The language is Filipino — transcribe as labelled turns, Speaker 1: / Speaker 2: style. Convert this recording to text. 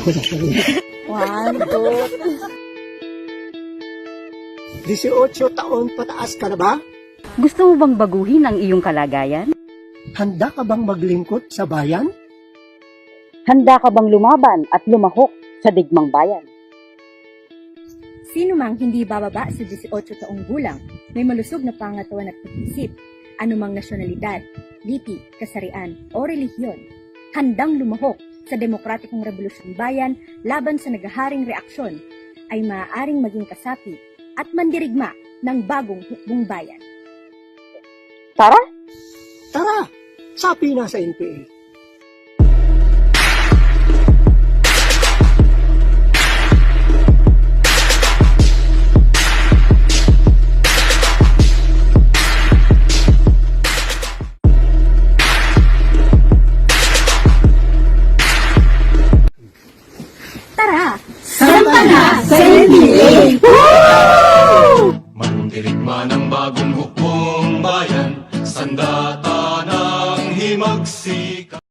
Speaker 1: ako na sa'yo.
Speaker 2: 1, 2.
Speaker 1: 18 taon pataas ka na ba?
Speaker 3: Gusto mo bang baguhin ang iyong kalagayan?
Speaker 1: Handa ka bang maglingkod sa bayan?
Speaker 3: Handa ka bang lumaban at lumahok sa digmang bayan?
Speaker 4: Sino mang hindi bababa sa 18 taong gulang, may malusog na pangatawan at pag-isip, anumang nasyonalidad, lipi, kasarian o relihiyon, handang lumahok sa demokratikong revolusyon bayan laban sa naghaharing reaksyon, ay maaaring maging kasapi at mandirigma ng bagong hukbong bayan.
Speaker 3: Tara!
Speaker 1: Tara! Sapi na sa NPA.
Speaker 4: Tara!
Speaker 2: Sampa na sa NPA!
Speaker 5: Mandirigma ng bagong hukbong bayan, sandata ng himagsika.